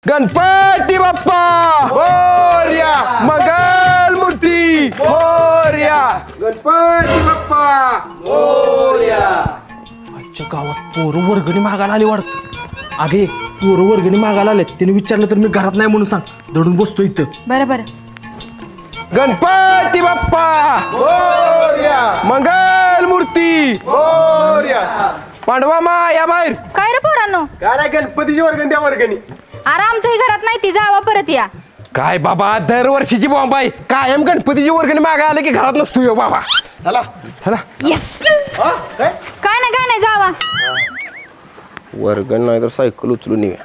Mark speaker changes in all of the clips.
Speaker 1: गणपती बाप्पा मोरया, मंगल मूर्ती मोरया, गणपती बाप्पा मोरया.
Speaker 2: आजच्या गावात पोरं वर्गणी मागायला आली वाटतं. अगे पोरं वर्गणी मागायला आले, त्याने विचारलं तर मी घरात नाही म्हणून सांग. दडून बसतो इथं.
Speaker 3: बरं बरं.
Speaker 1: गणपती बाप्पा मोरया, मंगल मूर्ती मोरया. पांडवा मा या बाहेर.
Speaker 3: काय रे पोरांनो,
Speaker 1: काय नाही गणपतीची वर्गणी द्या वर्गणी.
Speaker 3: अरे आमच्याही घरात नाही ती, जावा परत या.
Speaker 1: काय बाबा दरवर्षीची बॉम्ब आहे, कायम गणपतीची वर्गणी मागायला आले की घरात नसतो यो बाबा. चला चला.
Speaker 3: येस. काय नाही जावा.
Speaker 1: वर्गण नाही तर सायकल उचलून येऊया.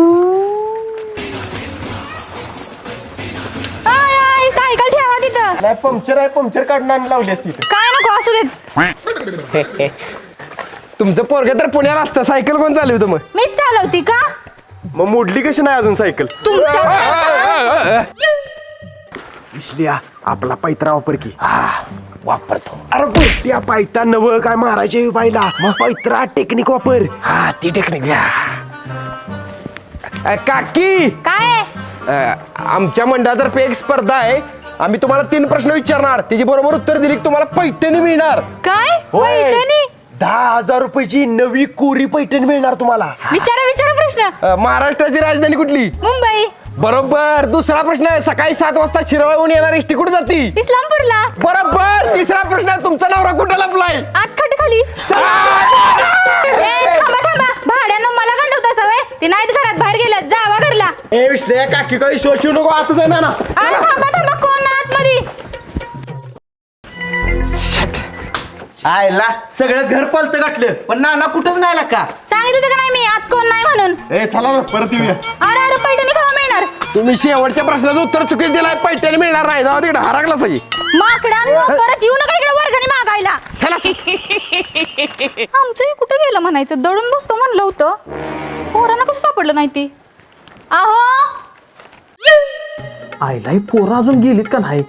Speaker 3: सायकल ठेवा तिथं.
Speaker 2: नाही पंक्चर आहे, पंक्चर काढून आणि लावली असती इथं.
Speaker 3: काय नको असू देत.
Speaker 1: तुमचं पोरग तर पुण्याला असतं, सायकल कोण चालवतं मग?
Speaker 3: मीच चालवती का?
Speaker 2: मग मोडली कशी नाही अजून सायकल?
Speaker 3: तुमच्या
Speaker 2: विसलिया आपला पैत्रा वापर की.
Speaker 1: वापरतो.
Speaker 2: अरे बुरट्या पायता नव काय मारायचे बाईला. पैत्रा टेक्निक वापर.
Speaker 1: हा ती टेक्निक घ्या. काकी
Speaker 3: काय?
Speaker 1: आमच्या मंडळातर्फे एक स्पर्धा आहे. आम्ही तुम्हाला 3 प्रश्न विचारणार, त्याची बरोबर उत्तर दिली की तुम्हाला पैठणी मिळणार.
Speaker 3: काय?
Speaker 2: होय.
Speaker 3: पैठणी?
Speaker 2: 10,000 रुपयाची नवी कोरी पैठणी मिळणार तुम्हाला.
Speaker 3: विचारा प्रश्न.
Speaker 1: महाराष्ट्राची राजधानी कुठली?
Speaker 3: मुंबई.
Speaker 1: बरोबर. दुसरा प्रश्न आहे, सकाळी 7 वाजता शिरवळहून येणार एसटी कुठे जाती?
Speaker 3: इस्लामपूरला.
Speaker 1: बरोबर. तिसरा प्रश्न आहे, तुमचा नवरा कुठे लपलाय?
Speaker 3: आत खाली. थांबा भाड्यानं मला गंडवता सवय. ती नाहीत घरात, बाहेर गेल्यात. जावा घरला.
Speaker 2: ए विसलिया काकी काही शो शिवू नको, आता जाणार ना.
Speaker 3: अरे थांबा कोण ना आतमध्ये?
Speaker 2: आयला सगळं घर पालतं गाठलं, पण नाना कुठंच नाही आला का?
Speaker 3: सांगितलं होतं का नाही मी आत कोण नाही म्हणून?
Speaker 2: ए चला ना परत येऊया.
Speaker 3: अरे पैठणी केव्हा मिळणार?
Speaker 1: तुम्ही शेवटच्या प्रश्नाचं उत्तर चुकीच दिलाय. पैठणी मिळणार नाही. जाऊ तिकडे हरागला सगळी.
Speaker 3: माकडांनो, परत येऊ नका इकडे वर्गणी मागायला.
Speaker 1: चला.
Speaker 3: आमचंही कुठे गेलं म्हणायचं, दडून बसतो म्हणलं होतं. पोरांना कसं सापडलं नाही ती? आहो
Speaker 2: आयला ही पोरं अजून गेलीत का नाही?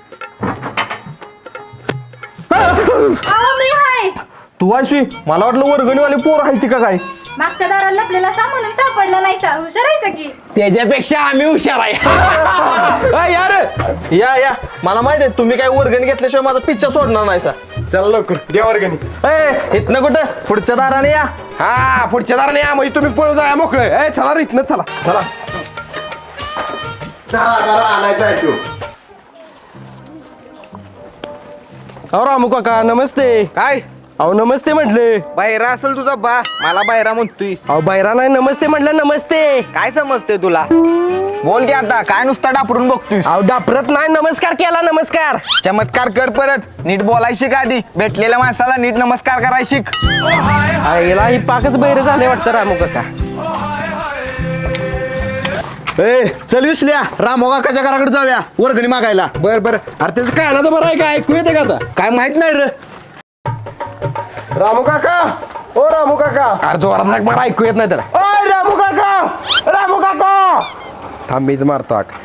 Speaker 3: आहो मी हाय.
Speaker 2: तू आयशी मला वाटलं वर्गणीवाली पोरं आहे ती का काय?
Speaker 3: मागच्या दाराला लपलेला म्हणून सापडला नाही. हुशार आहे की?
Speaker 1: त्याच्यापेक्षा आम्ही हुशार आहे.
Speaker 2: यार या मला माहित आहे तुम्ही काय वर्गणी घेतल्याशिवाय माझा पिच्चा सोडणार नाही सा. चला लवकर द्या वर्गणी. ए इथनं कुठं? पुढच्या दाराने या.
Speaker 1: हा पुढच्या दाराने या, म्हणजे तुम्ही पळून जाया मोकळे. चला रे इथनं चला.
Speaker 2: चला
Speaker 4: आणायचा आहे तो.
Speaker 2: अहो रामू काका नमस्ते.
Speaker 4: काय
Speaker 2: अहो नमस्ते म्हटले.
Speaker 4: बायरा असेल तुझा बा, मला बायरा म्हणतोय.
Speaker 2: अहो बायरा नाही नमस्ते म्हटलं. नमस्ते.
Speaker 4: काय समजते तुला? बोल की आता, काय नुसता डापरून बघतोयस?
Speaker 2: अहो डापरत नाही, नमस्कार केला. नमस्कार.
Speaker 4: चमत्कार कर परत. नीट बोलाय शिक आधी. भेटलेल्या माणसाला नीट नमस्कार कराय शिक.
Speaker 2: आईला ही पाकच बहिरे झाले वाटतं रामू काका. ए चल विसल्या रामू काकाच्या घराकडे जाऊया वर्गणी मागायला.
Speaker 1: बर बर. अरे त्याचं काय ना तर बरं आहे का? ऐकू येते का आता?
Speaker 2: काय माहित नाही रे. रामू काका. ओ रामू काका.
Speaker 1: अरे जोरात सांग, मला ऐकू येत नाही तर.
Speaker 2: ओ रामू काका. रामू काका.
Speaker 1: थांब मीच मारतो हाक.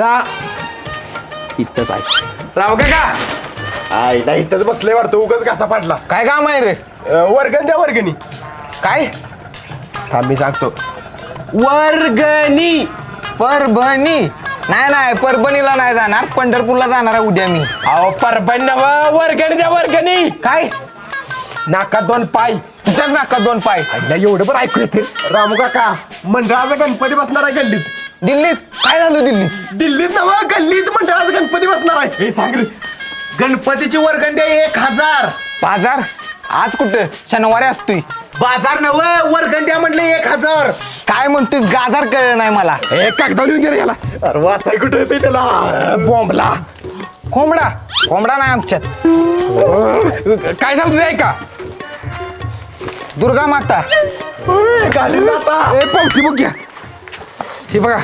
Speaker 1: इथंच आहे राव काका.
Speaker 2: आईला इथंच बसले वाटतं, उगाच घासा पाडला.
Speaker 4: काय काम आहे रे?
Speaker 2: वर्गण द्या वर्गणी.
Speaker 4: काय?
Speaker 1: थांब मी सांगतो. वर्गणी.
Speaker 4: परभणी? नाही परभणीला नाही जाणार, पंढरपूरला जाणार आहे उद्या मी.
Speaker 1: अहो परभणी नव्ह, वर्गणी द्या वर्गणी.
Speaker 4: काय?
Speaker 1: नाका 2 पाय.
Speaker 4: तुझ्याच नाकात 2 पाय.
Speaker 1: आईला एवढं पण ऐकू येते.
Speaker 2: रामू काका मंडळाचा गणपती बसणार आहे गल्लीत.
Speaker 4: दिल्लीत? काय झालं दिल्लीत?
Speaker 2: दिल्लीत ना गल्लीत मंडळाचा गणपती बसणार आहे. हे सांग रे. गणपतीची वर्गण द्या 1,000.
Speaker 4: बाजार? आज कुठं? शनिवारी असतोय.
Speaker 2: बाजार नव वर्गण द्या म्हटलं 1,000.
Speaker 4: काय म्हणतोय? गाजार कळलं नाही मला.
Speaker 1: हे कागदावर लिहून गेलं याला.
Speaker 2: अरे वाचाय कुठं येते त्याला?
Speaker 1: बॉम्बला.
Speaker 4: कोंबडा नाही आमच्यात.
Speaker 1: काय सांगतो ते ऐका.
Speaker 4: दुर्गा माता.
Speaker 2: घालीन आता.
Speaker 1: पावती बघ घ्या. हे बघा.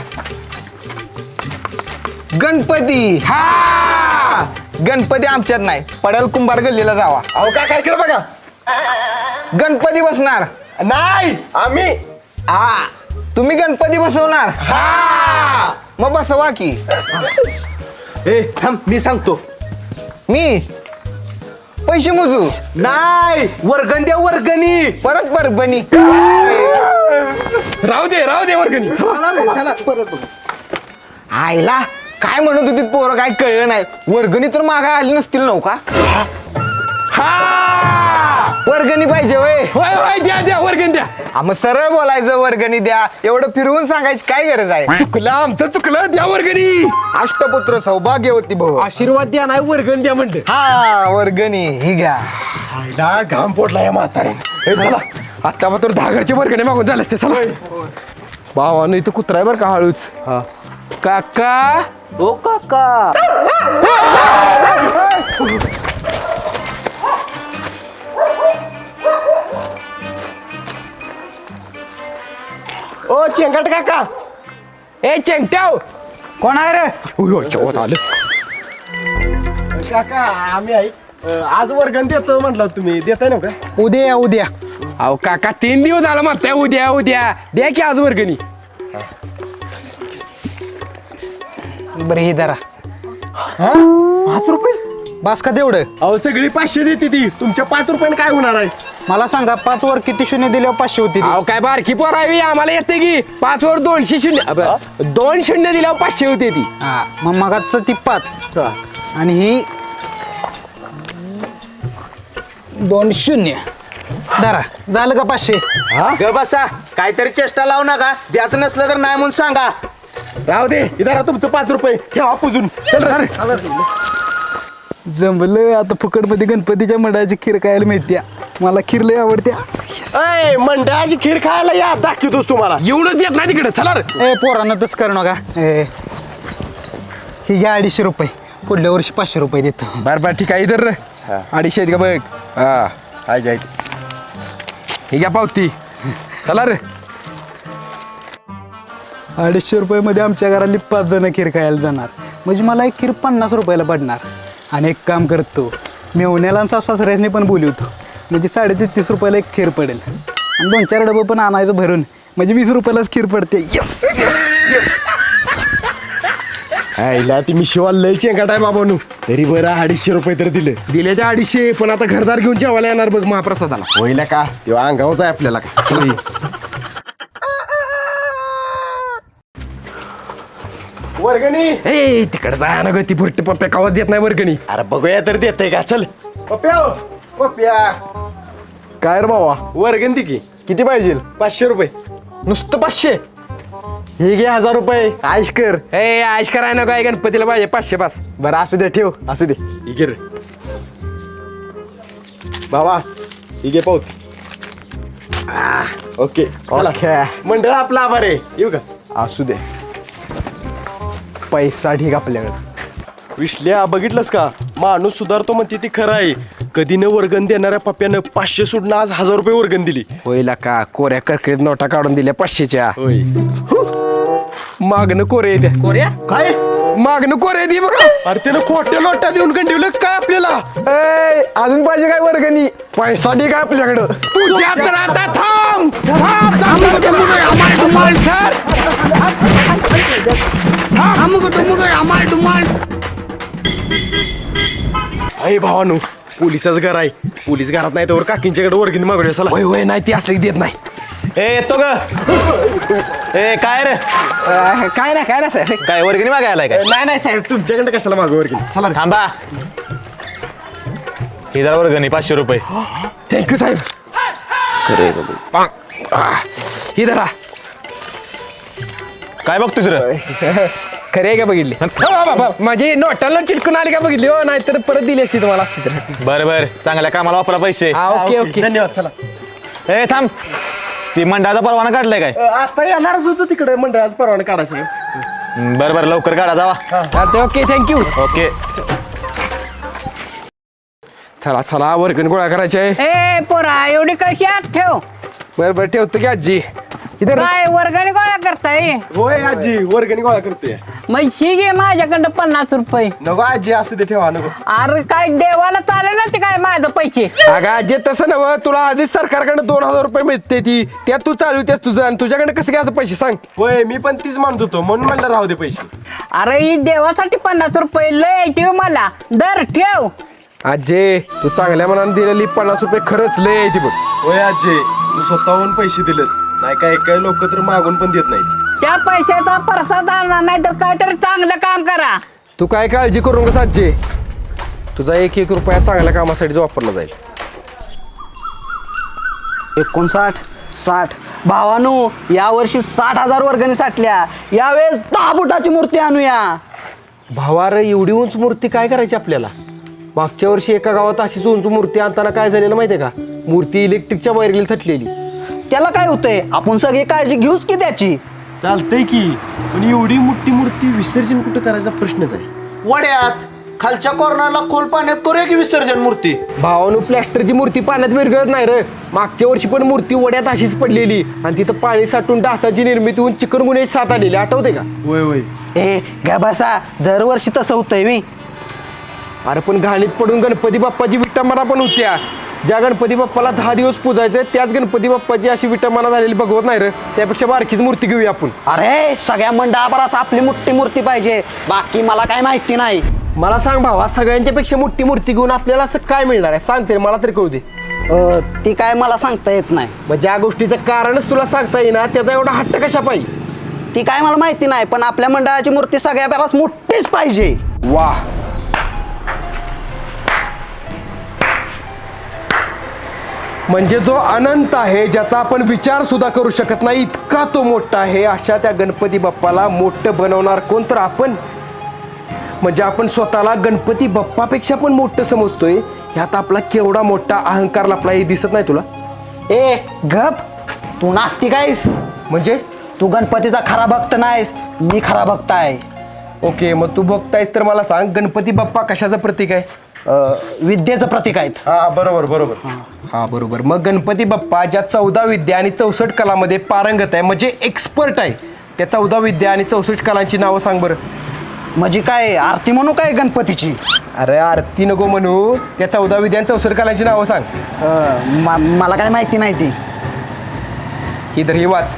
Speaker 4: गणपती.
Speaker 1: हा
Speaker 4: गणपती आमच्यात नाही, पडेल कुंभार गल्लीला जावा.
Speaker 2: अहो काय काय केलं बघा.
Speaker 4: गणपती बसणार
Speaker 2: नाही आम्ही.
Speaker 4: तुम्ही गणपती बसवणार? मग बसवा की.
Speaker 2: ए थांब मी सांगतो.
Speaker 4: मी पैसे मोजू?
Speaker 2: नाही वर्गण द्या वर्गणी.
Speaker 4: परत परभणी.
Speaker 1: राहू दे वर्गणी
Speaker 4: आईला काय म्हणत होती पोरं काय कळलं नाही वर्गणी तर मागा आली नसतील नव्हता वर्गणी पाहिजे वय
Speaker 1: होय द्या वर्गणी द्या
Speaker 4: मग सरळ बोलायचं वर्गणी द्या एवढं फिरवून सांगायची काय गरज आहे
Speaker 1: आमचं चुकलं द्या वर्गणी
Speaker 4: अष्टपुत्र सौभाग्यवती भाऊ
Speaker 1: आशीर्वाद द्या नाही वर्गणी द्या म्हणलं
Speaker 4: हा वर्गणी ही घ्या
Speaker 1: घाम पोटला या म्हातारे चला आता मात्र 10 घरचे वर्गणी मागून झालं ते चला भावा नाही तर कुत्रा आहे बरं का हळूच काका
Speaker 2: ओ काका
Speaker 1: ओ चेंगट काका ए चेंगट्याव
Speaker 4: कोण आहे रे
Speaker 1: चौथ आलं
Speaker 2: काका आम्ही आहे आज वर्गण देतो म्हटलं तुम्ही देताय ना का
Speaker 4: उद्या उद्या
Speaker 1: अहो काका 3 दिवस झाला म्हणताय उद्या द्या की आज वर्गणी
Speaker 4: बरं हे धरा
Speaker 2: 5 रुपये
Speaker 4: बास का तेवढं
Speaker 2: अहो सगळी 500 देते ती तुमच्या 5 रुपयाने काय होणार आहे
Speaker 4: मला सांगा 5 वर किती शून्य दिल्यावर 500 होती
Speaker 1: अहो काय बारकी पोरावी आम्हाला येते की 5 वर 200 शून्य 2 शून्य दिल्यावर 500 होते ती
Speaker 4: हा मग मगाच ती 5 आणि ही 2 शून्य धरा झालं का 500
Speaker 2: ग बसा काहीतरी चेष्टा लावू नका द्यायचं नसलं तर नाही म्हणून सांगा राहू दे इधर तुमचं 5 रुपये ठेवा पुजून चल रे
Speaker 4: जमलं आता फुकटमध्ये गणपतीच्या मंडळाची खीर खायला मिळत्या मला खीर लय आवडत्या
Speaker 2: अय मंडळाची खीर खायला या दाखवतोस तुम्हाला
Speaker 1: एवढंच येत नाही तिकडे चला रे
Speaker 4: ए पोरांना तस करू नका ही घ्या 250 रुपये पुढल्या वर्षी 500 रुपये देतो
Speaker 1: बरं ठीक आहे इधर 250 आहेत का बघ हा
Speaker 2: हाय जाय
Speaker 1: ही घ्या पावती चला रे
Speaker 4: 250 रुपयामध्ये आमच्या घरातली 5 जण खीर खायला जाणार म्हणजे मला एक खीर 50 रुपयाला पडणार आणि एक काम करतो मेवण्याला आणि सासऱ्याने पण बोलवतो म्हणजे 33 रुपयाला एक खीर पडेल आणि 2-4 डबं पण आणायचं भरून म्हणजे 20 रुपयालाच खीर पडते यस
Speaker 2: आईला ती मी शिवाल लय चेंगाट आहे बाबानू तरी बरं 250 रुपये तर दिले
Speaker 1: दिले ते 250 पण आता घरदार घेऊन जेवायला येणार बघ महाप्रसादाला
Speaker 2: होईल का तेव्हा अंगावच आहे आपल्याला का वर्गणी
Speaker 1: ए तिकडे जा ना ग ती भुरटी पप्प्या कावाच देत नाही वर्गणी
Speaker 2: अरे बघूया तर देते का चल पप्प्या काय रे बाबा वर्गण ती की किती पाहिजे 500 रुपये नुसतं 500 हे घे 1000 रुपये आयश कर
Speaker 1: ए आश कराय ना काय गणपतीला पाहिजे 500 पास
Speaker 2: बरं असू दे ठेव असू दे ही रे बाबा ही घे पावती ओके चला मंडळ आपला आभार आहे येऊ का असू दे
Speaker 4: पैसा ठीक आपल्याकडे
Speaker 2: विश्ल्या बघितलंस का माणूस सुधारतो म्हणते ती खरं आहे कधी न वर्गण देणाऱ्या पप्प्यानं 500 सोडून आज 1000 रुपये वर्गण दिली
Speaker 1: होईल का कोऱ्या करकरीत नोटा काढून दिल्या 500च्या
Speaker 2: होय
Speaker 1: मागणं कोरे येते
Speaker 2: कोऱ्या काय
Speaker 1: मागणं कोरे येते बघा
Speaker 2: अरे त्यानं खोट्या नोटा देऊन गंडवलं काय आपल्याला
Speaker 1: अजून पाहिजे काय वर्गणी पैसा ठीक आहे आपल्याकडं तुझ्या तर आता थांब
Speaker 2: अरे भावानू पोलिसाच घर आहे पोलीस घरात नाही तर काकींच्याकडे वर्गणी मागूया चला
Speaker 1: होय होय नाही ती असली देत नाही
Speaker 2: ए येतो ग ए काय रे
Speaker 1: काय ना साहेब
Speaker 2: काय वर्गणी मागायला काय नाही नाही साहेब तुमच्याकडे कशाला मागू वर्गणी चला थांबा ही जरा वर्गणी 500 रुपये
Speaker 1: थँक्यू साहेब ही धरा
Speaker 2: काय बघ दुसरं
Speaker 1: खरे का बघितली माझी नोटाला चिटकून आली का बघितली हो नाहीतर परत दिली असती तुम्हाला असती तर
Speaker 2: बरं बरं चांगल्या कामाला वापरा पैसे
Speaker 1: ओके ओके
Speaker 2: धन्यवाद चला ए थांब ती मंडळाचा परवाना काढलाय काय आता येणारच होतं तिकडे मंडळाचा परवाना काढायचं बरं बरं लवकर काढा जावा
Speaker 1: ओके थँक्यू
Speaker 2: ओके
Speaker 1: चला चला वर्गण गोळा करायचे
Speaker 5: ए पोरा एवढी कशी आत ठेव
Speaker 1: बरं ठेवतो की आजी इधर
Speaker 5: काय वर्गाने गोळा करताय
Speaker 2: होय आजी वर्गणी गोळा करते
Speaker 5: मग ही घे माझ्याकडं 50 रुपये
Speaker 2: नको आजी असू दे ठेवा नको
Speaker 5: अरे काय देवाला चालेल ना ते काय माझं पैसे
Speaker 1: अगं आजी तसं नव तुला आधीच सरकारकडे 2000 रुपये मिळते ती त्यात तू चालवतेस तुझं आणि तुझ्याकडे कसं काय असं पैसे सांग
Speaker 2: होय मी पण तीच म्हणत होतो म्हणून म्हणलं राहू दे पैसे
Speaker 5: अरे ही देवासाठी 50 रुपये लय ठेव मला दर ठेव
Speaker 1: आजे तू चांगल्या मनाने दिलेली 50 रुपये खरंच लय आहे ती बघ
Speaker 2: होय आजी तू स्वतःहून पैसे दिलेस नाही काही लोक तर मागून पण देत नाहीत.
Speaker 5: त्या पैशाचा प्रसाद आणणार नाही तर काहीतरी चांगलं काम करा.
Speaker 1: तू काय काळजी करू नका साजे, तुझा 1-1 रुपया चांगल्या कामासाठीच वापरला जाईल.
Speaker 6: 59, 60. भावानो, यावर्षी 60,000 वर्गणी साठल्या. यावेळेस 10 फुटाची मूर्ती आणूया.
Speaker 1: भावा रे, एवढी उंच मूर्ती काय करायची आपल्याला? मागच्या वर्षी एका गावात अशीच उंच मूर्ती आणताना काय झालेलं माहितीये का? मूर्ती इलेक्ट्रिकच्या वायरीला थटलेली.
Speaker 6: त्याला काय होतंय, आपण सगळी काळजी घेऊच की त्याची.
Speaker 2: चालतंय की, पण एवढी मोठी मूर्ती विसर्जन कुठं करायचा प्रश्नच आहे.
Speaker 7: वड्यात खालच्या कॉर्नरला खोल पाण्यात करूया की विसर्जन मूर्ती.
Speaker 1: भावानं प्लॅस्टरची मूर्ती पाण्यात विरघळत नाही रे. मागच्या वर्षी पण मूर्ती वड्यात अशीच पडलेली आणि तिथं पाणी साठून डासाची निर्मिती होऊन चिकनगुन्ह्याची साथ आलेली, आठवते का?
Speaker 2: होय.
Speaker 6: ए घ्या बसा, दरवर्षी तसं होतंय मी.
Speaker 1: अरे पण घाणीत पडून गणपती बाप्पाची विटंबना पण होत्या. ज्या गणपती बाप्पाला 10 दिवस पूजायचे त्याच गणपती बाप्पाची अशी विटंबना झालेली बघवत नाही रे. त्यापेक्षा बारकीच मूर्ती घेऊया आपण.
Speaker 6: अरे सगळ्या मंडळाभरास आपली मोठी मूर्ती पाहिजे, बाकी मला काय माहिती नाही.
Speaker 1: मला सांग भावा, सगळ्यांच्या पेक्षा मोठी मूर्ती घेऊन आपल्याला असं काय मिळणार आहे? सांग तरी, मला तरी कळू दे.
Speaker 6: ती काय मला सांगता येत नाही.
Speaker 1: मग ज्या गोष्टीचं कारणच तुला सांगता येईना त्याचा एवढा हट्ट कशा पाहिजे?
Speaker 6: ती काय मला माहिती नाही, पण आपल्या मंडळाची मूर्ती सगळ्या बराच मोठीच पाहिजे.
Speaker 1: वा, म्हणजे जो अनंत आहे, ज्याचा आपण विचार सुद्धा करू शकत नाही, इतका तो मोठा आहे. अशा त्या गणपती बाप्पाला मोठं बनवणार कोण? तर आपण. म्हणजे आपण स्वतःला गणपती बाप्पापेक्षा पण मोठं समजतोय. ह्यात आपला केवढा मोठा अहंकार लपला हे दिसत नाही तुला?
Speaker 6: ए गप, तू नास्तिक आहेस.
Speaker 1: म्हणजे
Speaker 6: तू गणपतीचा खरा भक्त नाहीस, मी खरा भक्त आहे.
Speaker 1: ओके, मग तू बघतायस तर मला सांग, गणपती बाप्पा कशाचं प्रतीक आहे?
Speaker 6: विद्येचं प्रतीक आहेत.
Speaker 2: हा बरोबर.
Speaker 1: हा बरोबर. मग गणपती बाप्पा ज्या 14 विद्या आणि 64 कलामध्ये पारंगत आहे, म्हणजे एक्सपर्ट आहे, त्या 14 विद्या आणि 64 कलांची नावं सांग बरं.
Speaker 6: म्हणजे काय आरती म्हणू काय गणपतीची?
Speaker 1: अरे आरती नको म्हणू, त्या 14 विद्या आणि 64 कलांची नावं सांग.
Speaker 6: मला काय माहिती नाही ती.
Speaker 1: इधर ही वाच.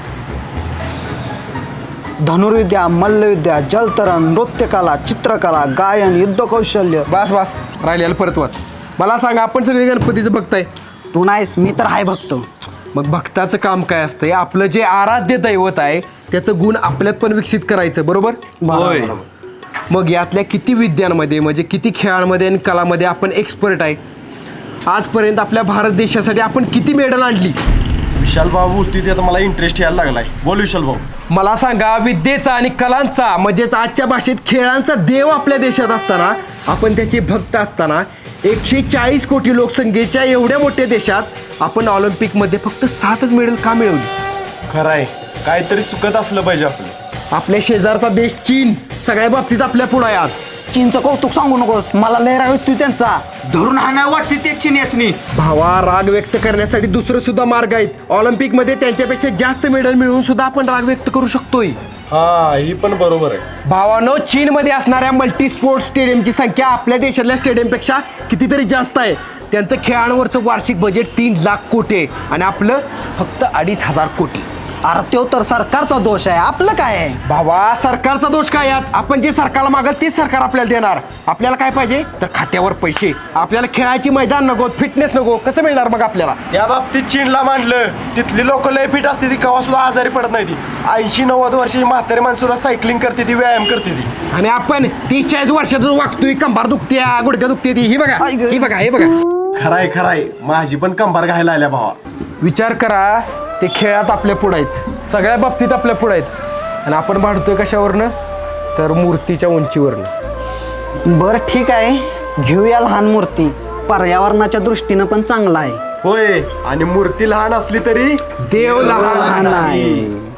Speaker 6: धनुर्विद्या, मल्लविद्या, जलतरण, नृत्यकला, चित्रकला, गायन, युद्ध कौशल्य.
Speaker 1: बस राहिलेलं परत वाच. मला सांग, आपण सगळे गणपतीचं बघताय.
Speaker 6: तू नाहीस, मी तर आहे भक्त.
Speaker 1: मग भक्ताचं काम काय असतंय? आपलं जे आराध्य दैवत आहे त्याचं गुण आपल्यात पण विकसित करायचं, बरोबर?
Speaker 2: होय.
Speaker 1: मग यातल्या किती विद्यांमध्ये, म्हणजे किती खेळांमध्ये आणि कलामध्ये आपण एक्सपर्ट आहे? आजपर्यंत आपल्या भारत देशासाठी आपण किती मेडल आणली?
Speaker 2: विशाल भाऊ होती ते आता मला इंटरेस्ट यायला लागलाय. बोल विशाल भाऊ.
Speaker 1: मला सांगा, विद्येचा आणि कलांचा, म्हणजेच आजच्या भाषेत खेळांचा देव आपल्या देशात असताना, आपण त्याचे भक्त असताना, 140 कोटी लोकसंख्येच्या एवढ्या मोठ्या देशात आपण ऑलिम्पिकमध्ये फक्त 7च मेडल का मिळवली?
Speaker 2: खरंय, काहीतरी चुकत असलं पाहिजे आपलं.
Speaker 1: आपल्या शेजारचा देश चीन सगळ्या बाबतीत आपल्या पुढे आहे आज.
Speaker 6: चीनचं कौतुक सांगू नकोस, मला लय राग येतोय त्यांचा.
Speaker 7: धरून हाणाय वाटते ते चिन्यासनी.
Speaker 1: भावा, राग व्यक्त करण्यासाठी दुसरं सुद्धा मार्ग आहेत. ऑलिम्पिकमध्ये त्यांच्यापेक्षा जास्त मेडल मिळवून सुद्धा आपण राग व्यक्त करू शकतोय.
Speaker 2: हा, ही पण बरोबर आहे.
Speaker 1: भावानो, चीनमध्ये असणाऱ्या मल्टी स्पोर्ट्स स्टेडियमची संख्या आपल्या देशातल्या स्टेडियमपेक्षा कितीतरी जास्त आहे. त्यांचं खेळांवरचं वार्षिक बजेट 3 लाख कोटी आहे आणि आपलं फक्त 2,500 कोटी.
Speaker 6: अरे तो तर सरकारचा दोष आहे, आपलं काय आहे?
Speaker 1: भावा, सरकारचा दोष काय यात? आपण जे सरकारला मागल तेच सरकार आपल्याला देणार. आपल्याला काय पाहिजे? तर खात्यावर पैसे. आपल्याला खेळायची मैदान नको, फिटनेस नको, कसं मिळणार मग आपल्याला?
Speaker 2: या बाबतीत चीनला मांडलं. तिथली लोक लय फिट असते, ती कवा सुद्धा आजारी पडत नाही. ती 80-90 वर्षाची म्हातारी माणसं सुद्धा सायकलिंग करते, ती व्यायाम करते ती.
Speaker 1: आणि आपण 30-40 वर्षातून वागतोय, कंबार दुखत्या, गुडघ्या दुखते ती. ही बघा, ही बघा, हे बघा.
Speaker 2: खराय, माझी पण कंबार घायला आल्या भावा.
Speaker 1: विचार करा, ते खेळात आपल्या पुढे आहेत, सगळ्या बाबतीत आपल्या पुढे आहेत, आणि आपण भांडतोय कशावरनं? तर मूर्तीच्या उंचीवरनं.
Speaker 6: बरं ठीक आहे, घेऊया लहान मूर्ती. पर्यावरणाच्या दृष्टीनं पण चांगला आहे.
Speaker 2: होय, आणि मूर्ती लहान असली तरी
Speaker 1: देव लहान
Speaker 6: आहे.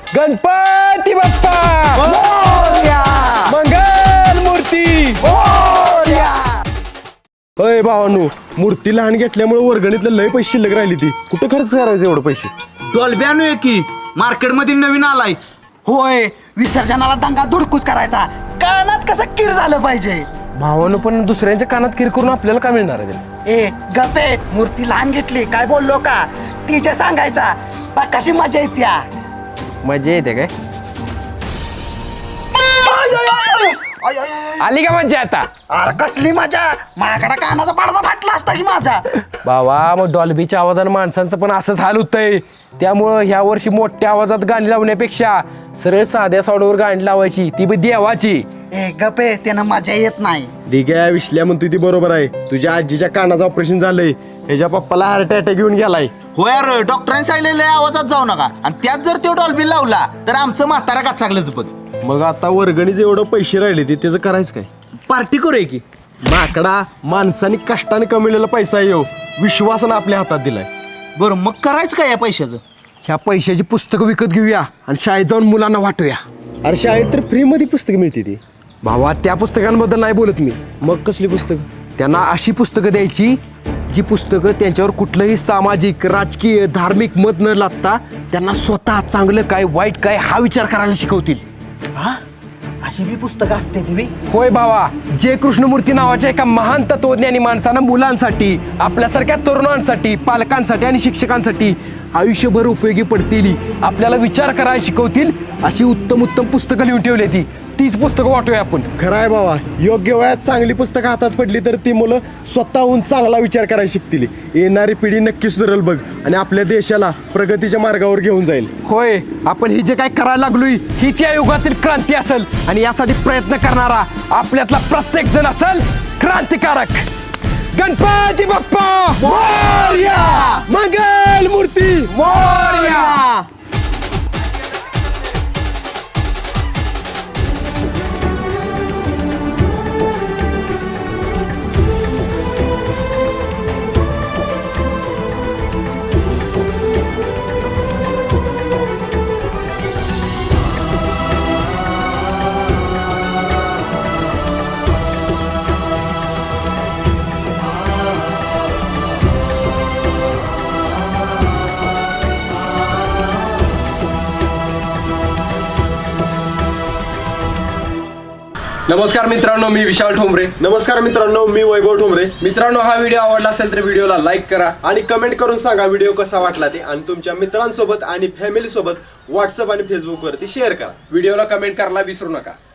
Speaker 1: गणपती बाप्पा
Speaker 6: मोरया!
Speaker 1: मंगल मूर्ती.
Speaker 6: मोरया!
Speaker 2: होय भावानू, मूर्ती लहान घेतल्यामुळे वर्गणीतलं लय पैसे शिल्लक राहिली. ती कुठं खर्च करायचं एवढं पैसे?
Speaker 7: डॉल्बी आणूया की, मार्केटमध्ये नवीन आलाय.
Speaker 6: होय, विसर्जनाला दंगा धुडकूस करायचा, कानात कसं किर झालं पाहिजे.
Speaker 1: भावानं पण दुसऱ्यांच्या कानात किर करून आपल्याला काय मिळणार आहे?
Speaker 6: ए गपे, मूर्ती लहान घेतली काय बोललो का? तिचे सांगायचा, कशी मजा येत्या.
Speaker 1: मजा येते काय? आली का मज्जा आता?
Speaker 6: अरे कसली मजा, माझ्याकडे कानाचा पडदा फाटला असता की माझा.
Speaker 1: बाबा मग डॉल्बीच्या आवाजानं माणसांचं पण असंच हाल होतंय. त्यामुळं ह्या वर्षी मोठ्या आवाजात गाणी लावण्यापेक्षा सरळ साध्या साऊंडवर गाणी लावायची, ती बी देवाची.
Speaker 6: ए गपे, त्यानं मजा येत नाही.
Speaker 2: दिग्या विश्ल्या म्हणतो ती बरोबर आहे. तुझ्या आजीच्या कानाचं ऑपरेशन झालंय, ह्याच्या पप्पाला हार्ट अटॅक घेऊन गेलाय.
Speaker 7: हो यार, डॉक्टरांनी सांगितलेलं आवाजात जाऊ नका, आणि त्यात जर तो डॉल्बी लावला तर आमचं म्हातारा काचागलंच बघ.
Speaker 2: मग आता वर्गणीचे एवढं पैसे राहिले ते त्याचं करायचं काय?
Speaker 7: पार्टी करूया की.
Speaker 2: माकडा, माणसाने कष्टाने कमवलेला पैसा येऊ विश्वासानं आपल्या हातात दिलाय.
Speaker 7: बरं मग करायचं काय या पैशाचं?
Speaker 1: ह्या पैशाची पुस्तकं विकत घेऊया आणि शाळेत जाऊन मुलांना वाटूया.
Speaker 2: अरे शाळेत तर फ्रीमध्ये पुस्तकं मिळते ती.
Speaker 1: भावा त्या पुस्तकांबद्दल नाही बोलत मी.
Speaker 2: मग कसली पुस्तक?
Speaker 1: त्यांना अशी पुस्तकं द्यायची जी पुस्तकं त्यांच्यावर कुठलंही सामाजिक, राजकीय, धार्मिक मत न लागता त्यांना स्वतः चांगलं काय वाईट काय हा विचार करायला शिकवतील.
Speaker 6: हा, अशी बी पुस्तकं असते ती बी.
Speaker 1: होय भावा, जे कृष्णमूर्ती नावाच्या एका महान तत्वज्ञानी माणसानं मुलांसाठी, आपल्यासारख्या तरुणांसाठी, पालकांसाठी आणि शिक्षकांसाठी आयुष्यभर उपयोगी पडतील, आपल्याला विचार करायला शिकवतील अशी उत्तम उत्तम पुस्तकं लिहून ठेवली. तीच पुस्तकं वाटूया आपण.
Speaker 2: खरं आहे बाबा, योग्य वयात चांगली पुस्तकं हातात पडली तर ती मुलं स्वतःहून चांगला विचार करायला शिकतील. येणारी पिढी नक्की सुधारेल बघ, आणि आपल्या देशाला प्रगतीच्या मार्गावर घेऊन जाईल.
Speaker 1: होय, आपण ही जे काय करायला लागलोय हीच या युगातील क्रांती असेल, आणि यासाठी प्रयत्न करणारा आपल्यातला प्रत्येक जण असेल क्रांतिकारक. गणपती बाप्पा मोरया, मंगल मूर्ती मोरया. नमस्कार मित्रांनो, मी विशाल ठोंबरे.
Speaker 2: नमस्कार मित्रांनो, मी वैभव ठोंबरे.
Speaker 1: मित्रांनो, हा व्हिडिओ आवडला असेल तर व्हिडिओला लाईक करा
Speaker 2: आणि कमेंट करून सांगा व्हिडिओ कसा वाटला ते, आणि तुमच्या मित्रांसोबत आणि फॅमिली सोबत व्हॉट्सअप आणि फेसबुक वरती शेअर करा.
Speaker 1: व्हिडिओला कमेंट करायला विसरू नका.